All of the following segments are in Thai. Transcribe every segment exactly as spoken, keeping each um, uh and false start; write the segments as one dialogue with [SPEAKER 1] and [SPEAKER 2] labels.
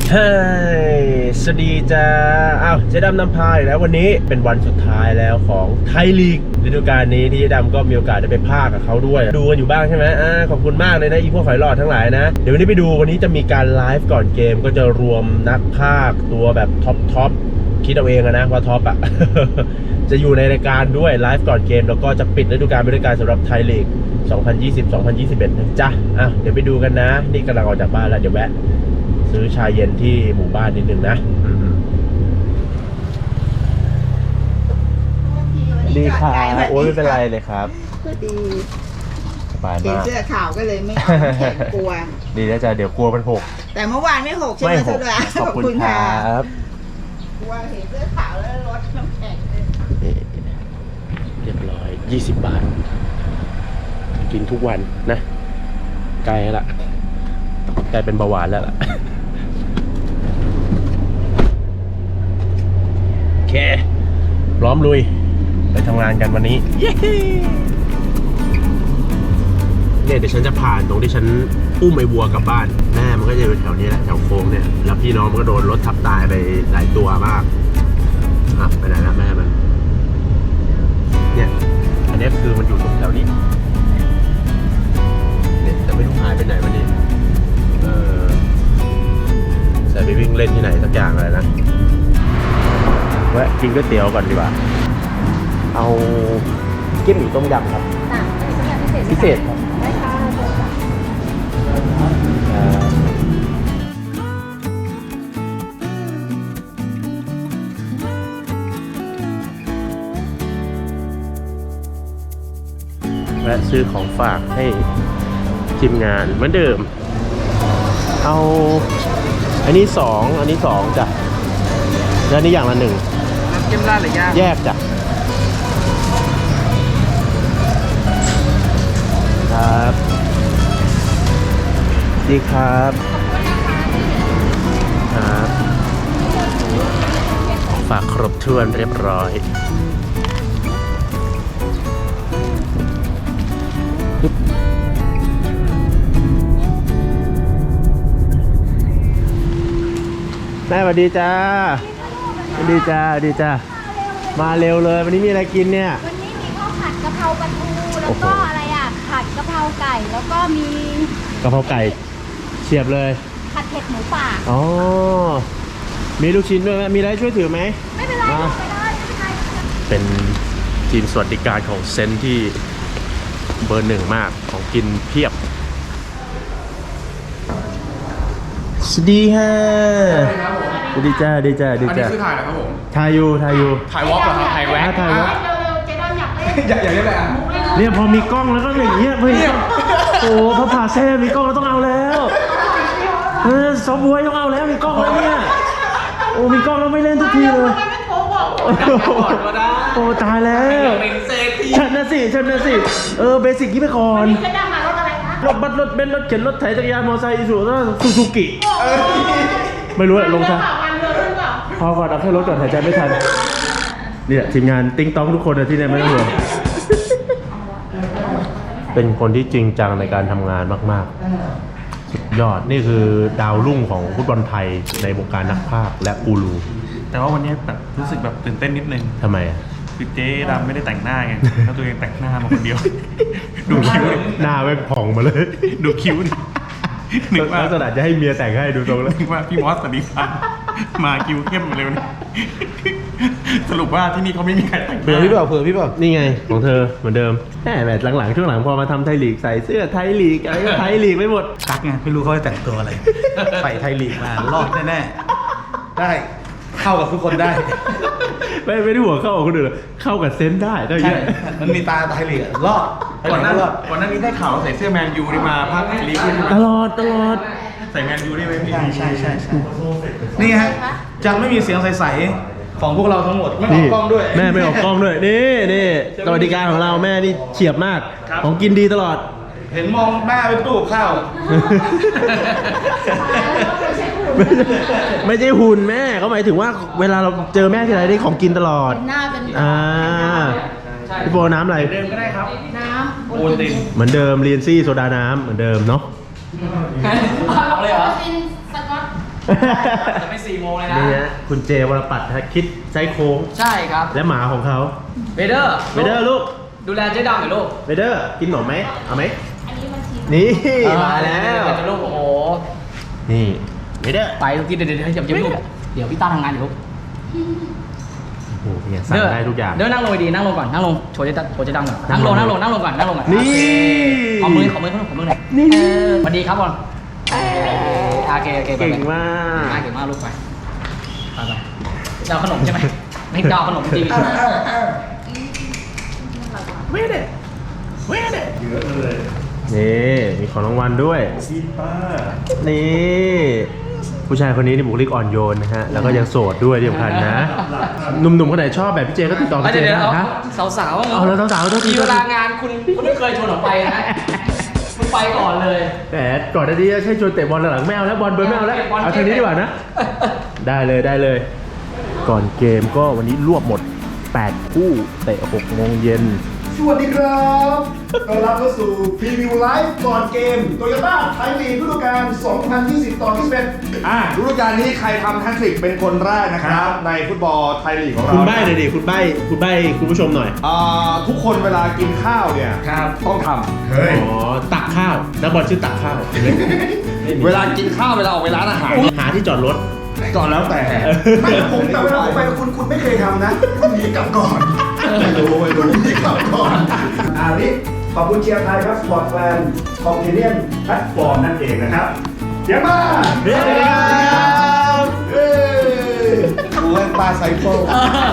[SPEAKER 1] เฮ้ยสวัสดีจ้าอ้าวเจ๊ดำนำพาอีกแล้ววันนี้เป็นวันสุดท้ายแล้วของไทยลีกฤดูกาลนี้ที่เจ๊ดำก็มีโอกาสได้ไปพากกับเขาด้วยดูกันอยู่บ้างใช่ไหมอ่าขอบคุณมากเลยนะอีพวกหอยหลอดทั้งหลายนะเดี๋ยววันนี้ไปดูวันนี้จะมีการไลฟ์ก่อนเกมก็จะรวมนักพากตัวแบบท็อปท็อปคิดเอาเองนะว่าท็อปอ่ะ จะอยู่ในรายการด้วยไลฟ์ก่อนเกมแล้วก็จะปิดฤดูกาลไปด้วยการสำหรับไทยลีกสองพันยี่สิบ สองพันยี่สิบเอ็ดนะจ๊ะอ่ะเดี๋ยวไปดูกันนะนี่กำลังออกจากบ้านแล้วเดี๋ยวแวะซื้อชาเย็นที่หมู่บ้านนิดนึงนะดีค่ะโอ้ยไม่เป็นไรเลยครับ
[SPEAKER 2] ก็ดี
[SPEAKER 1] สบายมาก
[SPEAKER 2] เห็นเสื้อขาวก็เลยไม่แข็งกลัว
[SPEAKER 1] ดีนะจ๊ะเดี๋ยวกลัวมันหก
[SPEAKER 2] แต่เมื่อวานไม่หกใช่ไหมสุดา
[SPEAKER 1] ขอบคุณครับ
[SPEAKER 2] กลัวเห็นเสื้อขาวแล้วรถน้ำแข็ง
[SPEAKER 1] เรียบร้อยยี่สิบบาทกินทุกวันนะใกล้แล้วล่ะกลายเป็นเบาหวานแล้วล่ะโอเคพร้อมลุยไปทำงานกันวันนี้เนี่ยเดี๋ยวฉันจะผ่านตรงที่ฉันอุ้มไอ้วัวกลับบ้านแม่มันก็จะอยู่แถวนี้แหละแถวโค้งเนี่ยแล้วพี่น้องมันก็โดนรถทับตายไปหลายตัวมากอ่ะไปไหนละแม่มันเนี่ยอันนี้คือมันอยู่ตรงแถวนี้เนี่ยแต่ไม่รู้หายไปไหนวันนี้เออใส่ไปวิ่งเล่นที่ไหนสักอย่างอะไรนะแวะกินก๋วยเตี๋ยวก่อนดีกว่าเอาเกี๊ยวหมี่ต้มยำครับพิเศษครับได้ค่ะแวะซื้อของฝากให้ทีมงานเหมือนเดิมเอาอันนี้สองอันนี้สองจ้ะแล้วนี้อย่างละหนึ่ง
[SPEAKER 3] น้ำจิ้มราดหรือย่าง
[SPEAKER 1] แยกจ้ะครับดีครับครับฝากครบถ้วนเรียบร้อยแม่สวัสดีจ้าสวัสดีจ้าสวัสดีจ้ามาเร็วเลยวันนี้มีอะไรกินเนี่ย
[SPEAKER 4] วันนี้มีข้าวผัดกะเพราปลาทูแล้วก็อะไรอ่ะผัดกะเพราไก่แล้วก็มี
[SPEAKER 1] กะเพราไก่เฉียบเลย
[SPEAKER 4] ผัดเผ็ดหมูป่า
[SPEAKER 1] อ๋อมีลูกชิ้นด้วยไหมมีอะไรช่วยถือไหม
[SPEAKER 4] ไม่เป็นไรไม่เป็นไรไม่เป็นไร
[SPEAKER 1] เป็นทีมสวัสดิการของเซนที่เบอร์หนึ่งมากของกินเพียบสวัสดีฮะสวัสดีจ้าดีจ้าดีจ้า
[SPEAKER 3] อันนี้คือถ่ายเหรอครับผม
[SPEAKER 1] ถ่ายอยู่ถ่ายอยู่
[SPEAKER 3] ถ่ายวอล์กเหรอครับถ่ายแวะ
[SPEAKER 1] ถ่ายวอล์ก
[SPEAKER 4] เร็วๆเจ๊ดอนอยากเล่น
[SPEAKER 3] อยากอยากเล่นอะไรอ่ะ
[SPEAKER 1] เนี่ยพอมีกล้องแล้วก็อย่างเงี้ยเฮ้ยโอ้พระผ่าแซ่มีกล้องแล้วต้องเอาแล้วเออซอฟต์แวร์ต้องเอาแล้วมีกล้องแล้วเนี่ยโอ้มีกล้องแล้วไม่เล่นทุกทีเลยโอ้ตายแล้วฉันนะสิฉันนะสิเออเบสิกยี่ไปก่อน
[SPEAKER 4] เจ๊ดอนมารถอะไรคะ
[SPEAKER 1] รถบัสรถเบนซ์รถเข็นรถไถจักรยานมอเตอร์ไซค์อีซูซูซูกิไม่รู้อะลงทางพอก่อนเอาแค่รถก่อนหายใจไม่ทันเนี่ยทีมงานติ้งต้องทุกคนที่เนี่ยไม่ต้องห่วงเป็นคนที่จริงจังในการทำงานมากๆสุดยอดนี่คือดาวรุ่งของฟุตบอลไทยในวงการนักพากย์และกูรู
[SPEAKER 3] แต่ว่าวันนี้แบบรู้สึกแบบตื่นเต้นนิดนึง
[SPEAKER 1] ทำไมอะ
[SPEAKER 3] คือเจ๊ดำไม่ได้แต่งหน้าไงแล้วตัวเองแต่งหน้ามาคนเดียวดูคิ้ว
[SPEAKER 1] หน้าไม่ผ่องมาเลย
[SPEAKER 3] ดูคิ้วนึกว่า
[SPEAKER 1] ลักษณะจะให้เมียแต่งให้ดูตรงแล้ว
[SPEAKER 3] นึกว่าพี่มอสสันนิพันธ์มาคิ้วเข้มเร็วนี่สรุปว่าที่นี่เขาไม่มีใครแต่ง
[SPEAKER 1] เผื่อพี่บอกเผื่อพี่บอกนี่ไงของเธอเหมือนเดิมแหมแบบหลังๆช่วงหลังพอมาทำไทยลีกใส่เสื้อไทยลีกอะไรก็ไทยลีกไม่หมด
[SPEAKER 3] กักไงไม่รู้เขาจะแต่งตัวอะไรใส่ไทยลีกมารอดแน่ๆได้เข้ากับทุกคนได้
[SPEAKER 1] ไม่ไม่ได้หัวเข้ากับคนอื่นเข้ากับเซนได้ได้เยอะ
[SPEAKER 3] มันมีตาไทยลีกรอดก่อนหน้าก่อนหน้านี้ได้ข่าวใส่เสื้อแมนยูนี่มาพักไทยลีก
[SPEAKER 1] ตลอดตลอด
[SPEAKER 3] ใส่แมนยูได้ไหมพี่ใช่ใช่ใช่นี่ฮะจะไม่มีเสียงใสๆของพวกเราทั้งหมดไม่ออกกล้องด้วย
[SPEAKER 1] แม่ไม่ออกกล้องด้วยนี่นี่สวัสดิการของเราแม่นี่เฉียบมากของกินดีตลอด
[SPEAKER 3] เห็นมองหน้าเป็นตู้ข้าว
[SPEAKER 1] ไม่ใช่หุ่นแม่เขาหมายถึงว่าเวลาเราเจอแม่ทีไรได้ของกินตลอด
[SPEAKER 4] หน้าเป็น
[SPEAKER 1] อ่าพี่โบน้ำอะไร
[SPEAKER 3] เดิมก็ได้ครับ
[SPEAKER 4] น้ำ
[SPEAKER 3] โอนติน
[SPEAKER 1] เหมือนเดิมเรียนซี่โซดาน้ำเหมือนเดิมเนาะ
[SPEAKER 4] เอาเลยเหรอเป็นสก๊อต
[SPEAKER 5] จะไม่สี่โมงเลยนะ
[SPEAKER 1] นี่ฮะคุณเจวรปัตรฮะคิดไซโค้ง
[SPEAKER 5] ใช่ครับ
[SPEAKER 1] และหมาของเขา
[SPEAKER 5] เวเดอร์
[SPEAKER 1] เวเดอร์ลูก
[SPEAKER 5] ดูแลเจ๊ดำหน่อยลูก
[SPEAKER 1] เวเดอร์กินหนมไหมเอาไหม
[SPEAKER 4] อันนี้มันชิม
[SPEAKER 1] นี่มาแล้ว
[SPEAKER 5] เดี๋ยวลูกโอ้โห
[SPEAKER 1] นี่เวเดอร์
[SPEAKER 5] ไปทุกทีเดี๋ยวเดี๋ยวเดี๋ยวเดี๋ยวลูกเดี๋ยวพี่ต้าทำงานอยู่ลูก
[SPEAKER 1] โอ้โหเนี่ยสั่งได้ทุกอย่าง
[SPEAKER 5] เดี๋ยวนั่งลงดีนั่งลงก่อนนั่งลงโชว์เจ๊ดำโชว์เจ๊ดำก่อนนั่งลง
[SPEAKER 1] นั่
[SPEAKER 5] นั่
[SPEAKER 1] ง
[SPEAKER 5] ง
[SPEAKER 1] ล
[SPEAKER 5] ล
[SPEAKER 1] ง
[SPEAKER 5] งนั่งลงก่อนนั่งลงก่อน
[SPEAKER 1] นี่
[SPEAKER 5] ขอมือขอมือขอมือขอมือหน่อย
[SPEAKER 1] นี่
[SPEAKER 5] เออสวัสดีครับบอลโอเคโอเคไป
[SPEAKER 1] เก่
[SPEAKER 5] ไป
[SPEAKER 1] งมาก
[SPEAKER 5] เก่งมากลูกไปไปไปจะเอาขนมใช่ไหมไม่จะเอาขนมจริง
[SPEAKER 1] เวเดอร์เวเดอร์เยอะเลยนี่มีของรางวัลด้วยนี่ผู้ชายคนนี้นี่บุคลิกอ่อนโยนนะฮะแล้วก็ยังโสดด้วยที่สำคัญนะหนุ่มๆคนไหนชอบแบบพี่เจก็ติดต่อพี่เจ
[SPEAKER 5] เดี๋ยว
[SPEAKER 1] ได้
[SPEAKER 5] เดี๋ยว
[SPEAKER 1] นะ
[SPEAKER 5] เอาสาวๆ
[SPEAKER 1] เอาแล้วสาวๆต้อง
[SPEAKER 5] มีเวลางานคุณคุณไม่เคยชวนออกไปนะคุณไปก่อนเลย
[SPEAKER 1] แต่ก่อนหน้านี้ใช่ชวนเตะบอลหลังๆไม่เอาแล้วบอลเบิร์นไม่เอาแล้ว
[SPEAKER 5] เตะบอล
[SPEAKER 1] เอาทางนี้ดีกว่านะ ได้เลยได้เลย ก่อนเกมก็วันนี้รวบหมดแปดคู่เตะหกโมงเย็น
[SPEAKER 6] สวัสดีครับต้อนรับเข้าสู่พรีวิวไลฟ์ก่อนเกมโตโยต้าไทยลีกฤดูกาล สองพันยี่สิบ ต่อยี่สิบเอ็ด
[SPEAKER 7] อ่าฤดูกาลนี้ใครทำแฮตทริกเป็นคนแรกนะครับ ในฟุตบอลไทยลีกของเรา
[SPEAKER 1] คุณใบ้เลยดิคุณใบ้คุณใบ้คุณผู้ชมหน่อย
[SPEAKER 7] อ่าทุกคนเวลากินข้าวเนี่ย
[SPEAKER 6] ครับ
[SPEAKER 7] ต้องท
[SPEAKER 6] เฮ้ย
[SPEAKER 1] อ๋อตักข้าวนักบอลชื่อตักข้าว
[SPEAKER 7] ำเวลากินข้าวเวลาออกไปร้านอาหาร
[SPEAKER 1] หาที่จอดรถ
[SPEAKER 7] ก่อนแล้วแต่
[SPEAKER 6] ไม่ผมแต่เวลาผมไปกับคุณคุณไม่เคยทำนะคุณหนีกลับก่อนไม่รู้ไม่รู้หนีกลับก่อนอ่านี่ขอบคุณเชียร์ไทยครับสปอร์ตแฟนคอมเพเนียนแพลตฟอร์มนั่นเองนะครับเดี๋ยวมา
[SPEAKER 1] เฮ้ย
[SPEAKER 6] เฮ้ย
[SPEAKER 7] ดูเล่นปลาไซเฟิล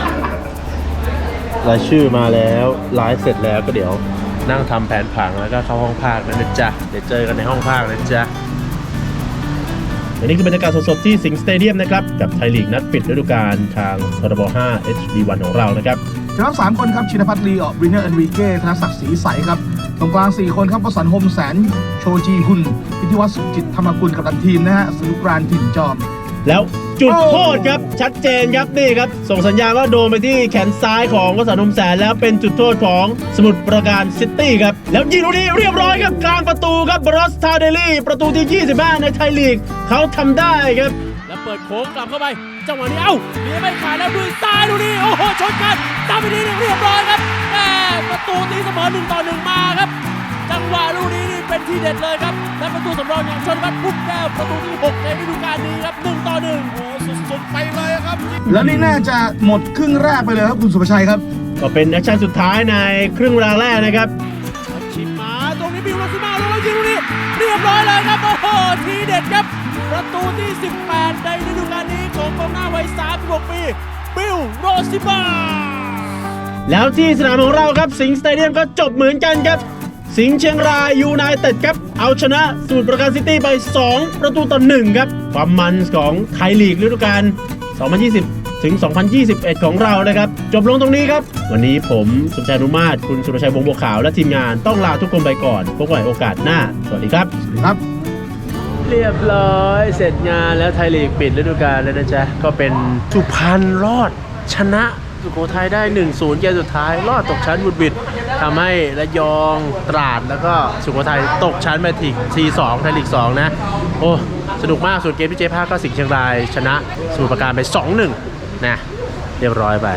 [SPEAKER 1] รายชื่อมาแล้วไลฟ์เสร็จแล้วก็เดี๋ยวนั่งทำแผนผังแล้วก็เข้าห้องภาคนะนะจ๊ะเดี๋ยวเจอกันในห้องภาคนะจ๊ะอันนี้คือบรรยากาศสดๆที่สิงห์สเตเดียมนะครับกับไทยลีกนัดปิดฤดูกาลทางทรบห้า เอช ดี วัน ของเรานะครับ
[SPEAKER 3] จะรับสามคนครับชินพัฒน์ลีออกวินเนอร์เอนริเก้ธนศักดิ์ศรีใสครับตรงกลางสี่คนครับวสันต์โฮมแสนโชจีฮุนพิธีวัฒน์สุขจิตธรรมกุลกับตันทีมนะฮะสนุกรานถิ่นจอม
[SPEAKER 1] แล้วจุดโทษครับชัดเจนครับนี่ครับส่งสัญญาณว่าโดนไปที่แขนซ้ายของวสันต์โฮมแสนแล้วเป็นจุดโทษของสมุทรปราการซิตี้ครับแล้วยิงลูกนี้เรียบร้อยครับกลางประตูครับบรอสทาเดลี่ประตูที่ยี่สิบห้าในไทยลีกเขาทำได้ครับแล้วเปิดโค้งกลับเข้าไปจังหวะนี้เอ้าเลี้ยไม่ขาดแล้วมือซ้ายลูกนี้โอ้โหชนกันตามไปทีนึงเรียบร้อยครับแหมประตูตีเสมอหนึ่งต่อหนึ่งมาครับจังหวะลูกนี้นี่เป็นทีเด็ดเลยครับและประตูสำรองอย่างชนวัฒน์พุ่มแก้วประตูที่หกในฤดูกาลนี้ครับหนึ่งต่อหนึ่งโอ้สุดๆไปเลยครับ
[SPEAKER 3] แล้วนี่น่าจะหมดครึ่งแรกไปเลยครับคุณสุภชัยครับ
[SPEAKER 1] ก็เป็นแอคชั่นสุดท้ายในครึ่งเวลาแรกนะครับชิมมาตรงนี้บิวโรซิมาแล้วยิงลูกนี้เรียบร้อยเลยครับโอ้โหทีเด็ดครับประตูที่สิบแปดในฤดูกาลนี้ของกองหน้าวัยสามสิบหกปีบิวโรซิมาแล้วที่สนามของเราครับสิงห์สเตเดียมก็จบเหมือนกันครับสิงห์เชียงรายยูไนเต็ดครับเอาชนะสมุทรปราการซิตี้ไปสองประตูต่อหนึ่งครับความมันของไทยลีกฤดูกาลสองพันยี่สิบถึง สองพันยี่สิบเอ็ด ของเรานะครับจบลงตรงนี้ครับวันนี้ผมสุภชัยนุมาศคุณสุรชัยวงศ์บัวขาวและทีมงานต้องลาทุกคนไปก่อนพบกันใหม่โอกาสหน้าสวัสดีครับ
[SPEAKER 3] ครับ
[SPEAKER 1] เรียบร้อยเสร็จงานแล้วไทยลีกปิดฤดูกาลแล้วนะจ๊ะก็เป็นสุพรรณรอดชนะสุโขทัยได้ หนึ่งศูนย์ เกมสุดท้ายรอดตกชั้นบุดบิดทำให้ระยองตราดแล้วก็สุโขทัยตกชั้นไปถึงทีสองไทยลีกสองนะโอ้สนุกมากส่วนเกมที่เจ๊ภาคก็สิงห์เชียงรายชนะสมุทรปราการไป สองหนึ่ง นะเรียบร้อยไป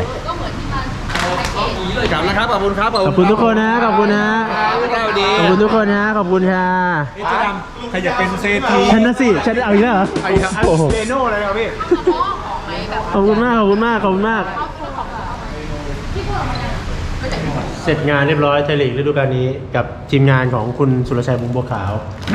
[SPEAKER 7] กลับนะครับขอบคุณครับ
[SPEAKER 1] ขอบคุณทุกคนนะขอบคุณนะขอบคุณทุกคนนะขอบคุณค่ะ
[SPEAKER 7] ใครอยากเป็นเซที
[SPEAKER 1] ฉันนะสิฉันเอาอีกแล้วเหรอโอ้โห
[SPEAKER 7] เรโน่เลยครับพี่
[SPEAKER 1] ขอบคุณมากขอบคุณมากขอบคุณมากเสร็จงานเรียบร้อยไทยลีกฤดูกาลนี้กับทีมงานของคุณสุรชัยวงศ์บัวขาว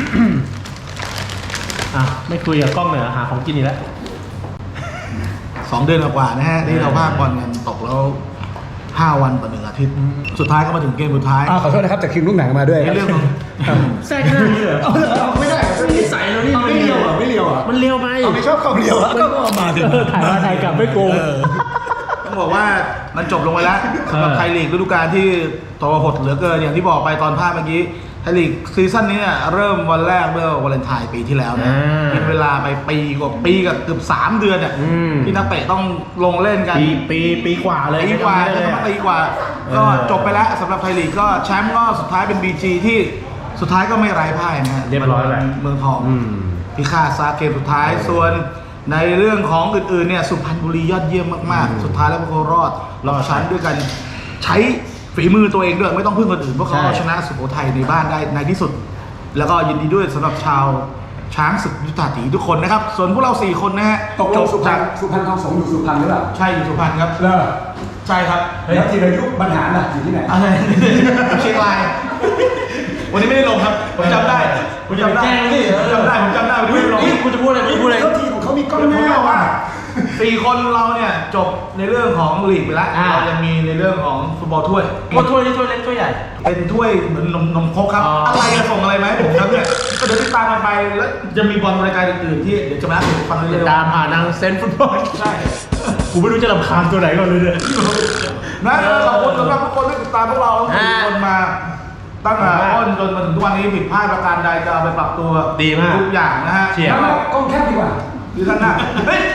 [SPEAKER 1] อ่ะไม่คุยกับกล้องเลยเหรอหาของกินอีกแล้ว
[SPEAKER 3] สองเดือนกว่าๆนะฮะที่เราพากบอลกันตกแล้วห้าวันต่อหนึ่งอาทิตย์ สุดท้ายก็มาถึงเกมสุดท้าย
[SPEAKER 6] ขอโทษนะครับแต่คิมลูกหนังมาด้วย
[SPEAKER 3] ในเรื่องของ
[SPEAKER 1] แทรกหน้านี่เหรอ
[SPEAKER 6] ไม่ได้นิสัยเรานี่ไม่เลียวอ่ะไม่เลียวอ่ะ
[SPEAKER 1] มันเร็วไป
[SPEAKER 6] ไม่ชอบความเลียวอ่ะก็มาถึง
[SPEAKER 1] ถ่ายมาถ่ายกลับไม่โกง
[SPEAKER 3] ต้องบอกว่ามันจบลงไปแล้วสำหรับไทยลีกฤดูกาลที่ทรหดเหลือเกินอย่างที่บอกไปตอนภาพเมื่อกี้ไทยลีกซีซั่นนี้เนี่ยเริ่มวันแรกเมื่อวาเลนไทน์ปีที่แล้วนะ
[SPEAKER 1] อ่า
[SPEAKER 3] เป็นเวลาไปปีกว่าปีกับเกือบสามเดือนเนี่ย
[SPEAKER 1] อืม
[SPEAKER 3] ที่นักเตะต้องลงเล่นกัน
[SPEAKER 1] ปีปีปีกว่าเลย
[SPEAKER 3] ปีกว่า
[SPEAKER 1] เลย
[SPEAKER 3] จะปีกว่า ก็จบไปแล้วสำหรับไทยลีกก็แชมป์ก็สุดท้ายเป็น บี จี ที่สุดท้ายก็ไม่ไร้พ่ายนะฮะ
[SPEAKER 1] เรียบร้อยแล้ว
[SPEAKER 3] เมืองทอง
[SPEAKER 1] อืม
[SPEAKER 3] พิฆาตซาเกมสุดท้ายส่วนในเรื่องของอื่นๆเนี่ยสุพรรณบุรียอดเยี่ยมมากๆสุดท้ายแล้วพวกเขารอดรอดชั้นด้วยกันใช้ฝีมือตัวเองด้วยไม่ต้องพึ่งคนอื่นเพราะเขาเอาชนะสุโขทัยในบ้านได้ในที่สุด แล้วก็ยินดีด้วยสำหรับชาวช้างศึกยุทธาถีทุกคนนะครับส่วนพวกเราสี่คนนะฮะ
[SPEAKER 6] ตกลงสุพรรณสุพรรณทองสงฆ์อยู่สุพรรณหรือเปล่า
[SPEAKER 3] ใช่อยู่สุพรรณครับ
[SPEAKER 6] เลิก
[SPEAKER 3] ใช่ครับ
[SPEAKER 6] แล้วธีรยุทธ์บรรหารน่ะอยู่ที่ไหน
[SPEAKER 3] อะไรเชียงรายวันนี้ไม่ได้ลงครับผมจำได้ผมจำได้ผมจำได้ผมจำได้วันนี้ไม่ได้ลง
[SPEAKER 1] กูจะพูดอะไรกูจะพูดอะไร
[SPEAKER 6] เจ้าทีของเขามีกล้อง
[SPEAKER 3] ผม
[SPEAKER 6] หน้า
[SPEAKER 3] บอกว่า
[SPEAKER 6] ว่ะ
[SPEAKER 3] สี่คนเราเนี่ยจบในเรื่องของลีกไปแล้ว
[SPEAKER 1] อ่า
[SPEAKER 3] เราจะมีในเรื่องของฟุตบอลถ้วย
[SPEAKER 1] ว่าถ้วยนี่ถ้วยเล็กถ้วยใหญ่
[SPEAKER 3] เป็นถ้วยเหมือนนมนมครกครับ
[SPEAKER 1] อ๋ออ
[SPEAKER 3] อะไรจะส่งอะไรมาให้ผมครับเนี่ยก็เดี๋ยวติดตามกันไปแล้วจะมีบอลรายการอื่นๆที่เดี๋ยวจะมาให้ผมฟังเรื่
[SPEAKER 1] ติ
[SPEAKER 3] อ
[SPEAKER 1] ด
[SPEAKER 3] ยๆ
[SPEAKER 1] ตามผ่านทางเซนฟุตบอล
[SPEAKER 3] ใช่
[SPEAKER 1] กูไม่รู้จะรำคาญตัวไหนก่อนเลยเนี่ย
[SPEAKER 3] นะขอบคุณสำหรับทุกคนที่ติดตามพวกเราทุกคนมาตั้งแต่ต้นจนมาถึงทุกวันนี้ผิดพลาดประการใดจะเอาไปปรับตัว
[SPEAKER 1] ดีมาก
[SPEAKER 3] ทุกอย่างนะฮะ
[SPEAKER 1] เฉียบ
[SPEAKER 6] แล้วกล้องแคบดีกว่า
[SPEAKER 3] ดีท่านหน้าเฮ้ย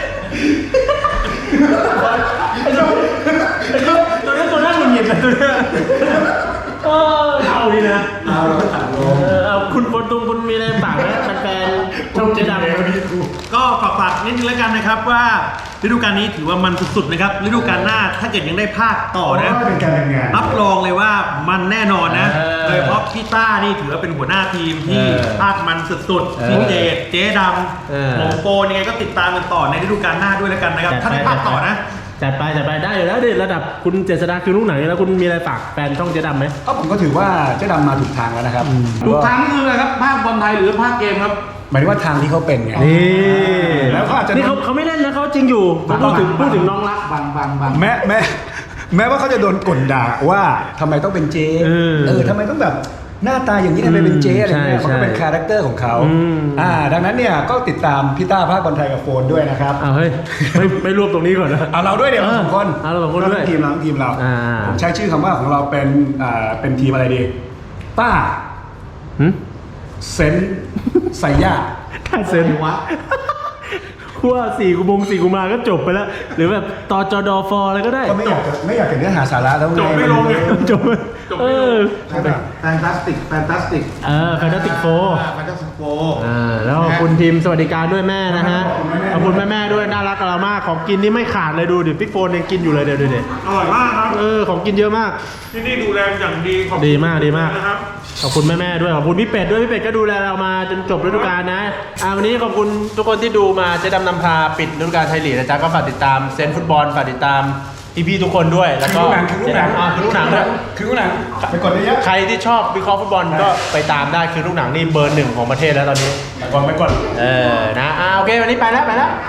[SPEAKER 1] ตัวนี้ตัวน่าหงุดหงิดเลยตัวนี้เออเอาดีนะ
[SPEAKER 6] เอาเราถ่ายล
[SPEAKER 1] เอง อเอาคุณบนตุงคุณมีอะไรฝากไหมแฟนๆช่องเจ๊ดำ
[SPEAKER 8] ก็ฝากฝากนิดนึงแล้วกันนะครับว่าฤดูกาลนี้ถือว่ามันสุดๆนะครับฤดูกาลหน้าถ้าเกิดยังได้ภาคต่อนะ
[SPEAKER 6] เป็นการทำงาน
[SPEAKER 8] รับรองเลยว่ามันแน่นอนนะ
[SPEAKER 1] เออ
[SPEAKER 8] โดยเฉพาะพี่ต้านี่ถือว่าเป็นหัวหน้าทีมที่
[SPEAKER 1] เออ
[SPEAKER 8] ภาคมันสุด
[SPEAKER 1] เออ
[SPEAKER 8] ๆพี่เจดเจ๊ด
[SPEAKER 1] เออ
[SPEAKER 8] ำผมโปนยังไงก็ติดตามกันต่อในฤดูกาลหน้าด้วยแล้วกันนะครับถ้าได้ภาคต่อนะ
[SPEAKER 1] จัดไปจัดไปได้อยู่แล้วดิระดับคุณเจษฎาคือลูกหนังอยู่แล้วคุณมีอะไรฝากแฟนช่องเจ๊ดำไหม
[SPEAKER 6] ก็ผมก็ถือว่าเจ๊ดำมาถูกทางแล้วนะครับ
[SPEAKER 3] ทุกครั้งนี่คืออะไรครับภาคบอลไทยหรือภาคเกมครับ
[SPEAKER 6] หมายถึงว่าทางที่เขาเป็นไง
[SPEAKER 1] นี่
[SPEAKER 6] แล้วเขาอาจจะ
[SPEAKER 1] นี่เขาเขาไม่เล่นนะเขาจริงอยู่ผมพูดถึงพูดถึงน้องรัก
[SPEAKER 3] บางบางบาง
[SPEAKER 6] แม้แม้แม้ว่าเขาจะโดนกลด่าว่าทำไมต้องเป็นเจ๊
[SPEAKER 1] เออ
[SPEAKER 6] เออทำไมต้องแบบหน้าตาอย่างนี้ทำไมเป็นเจ๊อะไรเงี้ย
[SPEAKER 1] ใช่
[SPEAKER 6] มันก็เป็น
[SPEAKER 1] ใช่
[SPEAKER 6] คาแรคเตอร์ของเขา
[SPEAKER 1] อืม
[SPEAKER 6] อ่าดังนั้นเนี่ยก็ติดตามพี่ต้าภาคบอลไทยกับโฟนด้วยนะครับ
[SPEAKER 1] อ้าวเฮ้ยไม่ไม่รวบตรงนี้ก่อนนะ
[SPEAKER 6] เอาเราด้วยเดี๋ยวเราสองคน
[SPEAKER 1] เอาเราสองคนด้วย
[SPEAKER 6] ทีมเราทีมเรา
[SPEAKER 1] อ่า
[SPEAKER 6] ผมใช้ชื่อคำว่าของเราเป็นอ่าเป็นทีมอะไรดีต้า
[SPEAKER 1] หึ
[SPEAKER 6] เซนไซย่า
[SPEAKER 1] ถ้าเซ็นวะว่าสี่กุมงสี่กุมาก็จบไปแล้ว หรือแบบต่อจอดอฟออะไรก็ได้
[SPEAKER 6] ก็ไม่อยากจะไม่อยากจะเนื้อหาสาระแล้ว
[SPEAKER 8] จบไม่ลงไง
[SPEAKER 1] จบเออ
[SPEAKER 3] ใช่ไหมแฟนตาสติกแฟนตาสติก
[SPEAKER 1] เออแฟนตาติกโฟ
[SPEAKER 3] แฟนตาสติกโฟ
[SPEAKER 1] อ่าแล้วขอบคุณทีมสวัสดิการด้วยแม่นะฮะขอบคุณแม่แม่ๆด้วยน่ารักกับเรามากของกินนี่ไม่ขาดเลยดูดิพี่โฟนยังกินอยู่เลยเดี๋ยวดูดิ
[SPEAKER 8] อร่อยมากครับ
[SPEAKER 1] เออของกินเยอะมาก
[SPEAKER 8] ที่นี่ดูแลอย่างดีขอบคุณ
[SPEAKER 1] ดีมากดีมาก
[SPEAKER 8] นะครับ
[SPEAKER 1] ขอบคุณแม่แม่ๆด้วยขอบคุณพี่เป็ดด้วยพี่เป็ดก็ดูแลเรามาจนจบฤดูกาลนะอ่าวันนี้ขอบคุณทุกคนที่ดูมาเจ๊ดำนำพาปิดฤดูกาลไทยลีกนะจ๊ะก็ฝากติดตามเซนฟุตบอลฝากติดตามพี่ๆทุกคนด้วยแล้วก็
[SPEAKER 6] คือลูกหนัง
[SPEAKER 1] อ่าคือลูกหนังด้วย
[SPEAKER 6] คือลูกหนังไปกดเยอะ
[SPEAKER 1] ใครที่ชอบวิเคราะห์ฟุตบอลก็ไปตามได้คือลูกหนังนี่เบอร์หนึ่งของประเทศแล้วตอนนี้
[SPEAKER 6] ก่อนไปก่อน
[SPEAKER 1] เออนะอ่าโอเควันนี้ไปแล้วไปแล้ว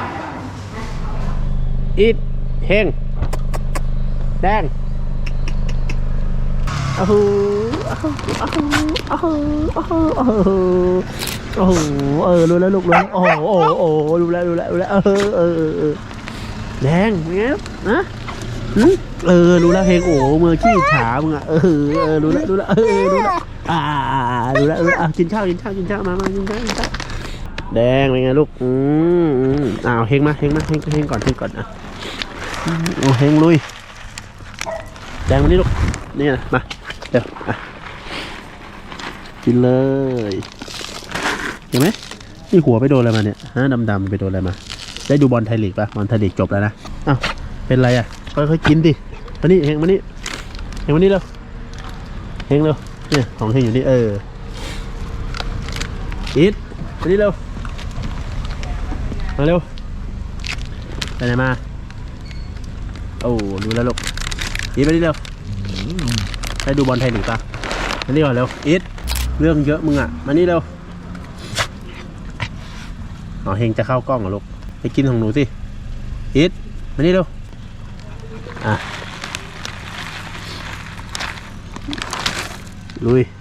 [SPEAKER 1] อีทเฮงแดงโอ้โหโอ้โหโอ้โหโอ้โหโอ้โหโอ้โหเออรู้แล้วลูกรู้แล้วโอ้โหโอ้โหโอ้โหรู้แล้วรู้แล้วรู้แล้วเออเออเออเออแดงเป็นไงนะหืมเออรู้แล้วเฮงโอ้โหมือขี้ฉามึงอ่ะเออเออรู้แล้วรู้แล้วเออรู้แล้วอ่าอ่าอ่ารู้แล้วรู้แล้วอ่ะกินข้าวกินข้าวกินข้าวมามากินข้าวกินข้าวแดงเป็นไงลูกอืมอืมอ้าวเฮงมาเฮงมาเฮงเฮงก่อนเฮงก่อนอ่ะอืมโอ้เฮงลุยแดงมานี่ลูกนี่นะมาเดี๋ยวอ่ะกินเลยเห็นไหมนี่หัวไปโดนอะไรมาเนี่ยฮะดำๆไปโดนอะไรมาได้ดูบอลไทยลีกป่ะบอลไทยลีกจบแล้วนะอ้าวเป็นไรอ่ะค่อยๆกินดิมานี่เฮงมานี่เฮงมานี่เร็วเฮงเร็วเนี่ยของเฮงอยู่นี่เอออีทมานี่เร็วมาเร็วไปไหนมาโอ้รู้แล้วลูกอีทมานี่เร็วได้ดูบอลไทยลีกป่ะมานี่ก่อนเร็วอีทเรื่องเยอะมึงอ่ะมานี่เร็วอ๋อเฮงจะเข้ากล้องเหรอลูกไปกินของหนูสิอีทมานี่เร็วอ่ะลุย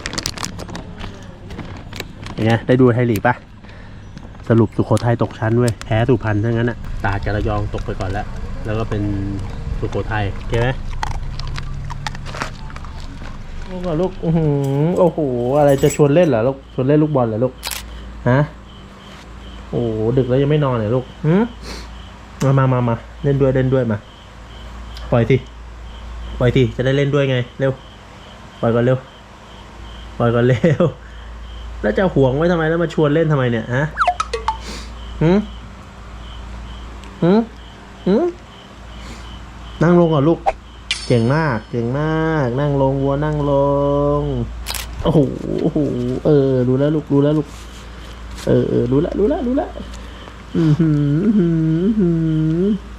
[SPEAKER 1] เป็นไงได้ดูไทยลีกป่ะสรุปสุโขทัยตกชั้นเว้ยแพ้สุพรรณทั้งนั้นอ่ะตราดกับระยองตกไปก่อนแล้วแล้วก็เป็นสุโขทัยโอเคไหมโอ้โหลูกอื้อหือโอ้โหอะไรจะชวนเล่นเหรอลูกชวนเล่นลูกบอลเหรอลูกฮะโอ้โหดึกแล้วยังไม่นอนเหรอลูกหืมมามามามาเล่นด้วยเล่นด้วยมาปล่อยทีปล่อยทีจะได้เล่นด้วยไงเร็วปล่อยก่อนเร็วปล่อยก่อนเร็วแล้วจะห่วงไว้ทำไมแล้วมาชวนเล่นทำไมเนี่ยฮะหืมหืมหืมนั่งลงก่อนลูก เก่งมาก เก่งมาก นั่งลงวัวนั่งลง โอ้โหโอ้โหเออ รู้แล้วลูก รู้แล้วลูก เออเออรู้แล้วรู้แล้วรู้แล้ว อือหืออื้อหืออื้อหือ